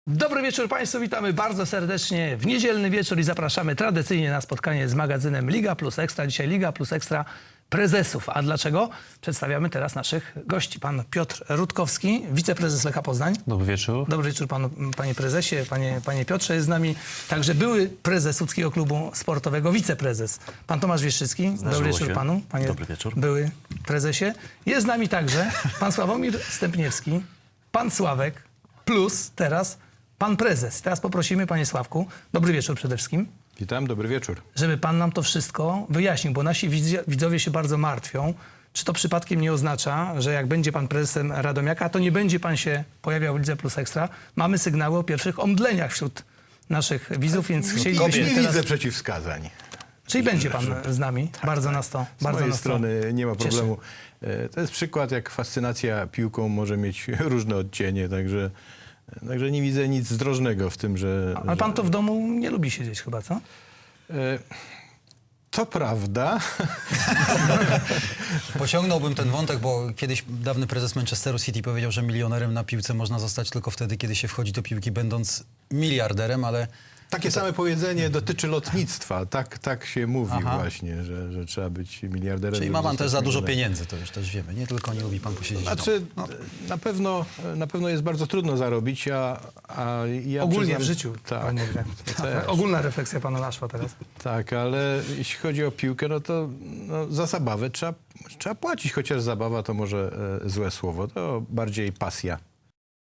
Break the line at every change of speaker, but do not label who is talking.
Dobry wieczór Państwu, witamy bardzo serdecznie w niedzielny wieczór i zapraszamy tradycyjnie na spotkanie z magazynem Liga Plus Ekstra. Dzisiaj Liga Plus Ekstra prezesów. A dlaczego? Przedstawiamy teraz naszych gości. Pan Piotr Rutkowski, wiceprezes Lecha Poznań.
Dobry wieczór.
Dobry wieczór panu, panie prezesie, panie Piotrze. Jest z nami także były prezes Łódzkiego Klubu Sportowego, wiceprezes. Pan Tomasz Wieszczycki. Dobry wieczór panu, panie
Dobry wieczór.
były prezesie. Jest z nami także pan Sławomir Stępniewski, pan Sławek, plus teraz pan prezes. Teraz poprosimy, panie Sławku, dobry wieczór przede wszystkim,
Witam, dobry wieczór.
żeby pan nam to wszystko wyjaśnił, bo nasi widzowie się bardzo martwią. Czy to przypadkiem nie oznacza, że jak będzie pan prezesem Radomiaka, to nie będzie pan się pojawiał w Lidze Plus Ekstra? Mamy sygnały o pierwszych omdleniach wśród naszych widzów, więc chcielibyśmy
Nie
teraz...
widzę przeciwwskazań.
Czyli będzie pan z nami. Bardzo nas to
Z mojej
nas to
strony nie ma
cieszy.
problemu. To jest przykład, jak fascynacja piłką może mieć różne odcienie, także nie widzę nic zdrożnego w tym, że...
Ale pan to w domu nie lubi siedzieć chyba, co?
To prawda.
Pociągnąłbym ten wątek, bo kiedyś dawny prezes Manchesteru City powiedział, że milionerem na piłce można zostać tylko wtedy, kiedy się wchodzi do piłki będąc miliarderem, ale...
Takie same powiedzenie dotyczy lotnictwa. Tak się mówi
Aha.
właśnie, że trzeba być miliarderem.
Czyli
żeby
ma pan
zostać
też za dużo
milionerem.
pieniędzy, to już też wiemy. Nie tylko nie lubi pan posiedzieć w
Znaczy,
domu.
na pewno jest bardzo trudno zarobić, a ja
Ogólnie
przyznam-
w życiu.
Tak,
pan mówi.
też.
Ogólna refleksja pana naszła teraz.
Tak, ale jeśli chodzi o piłkę, no to za zabawę trzeba płacić, chociaż zabawa to może złe słowo, to bardziej pasja.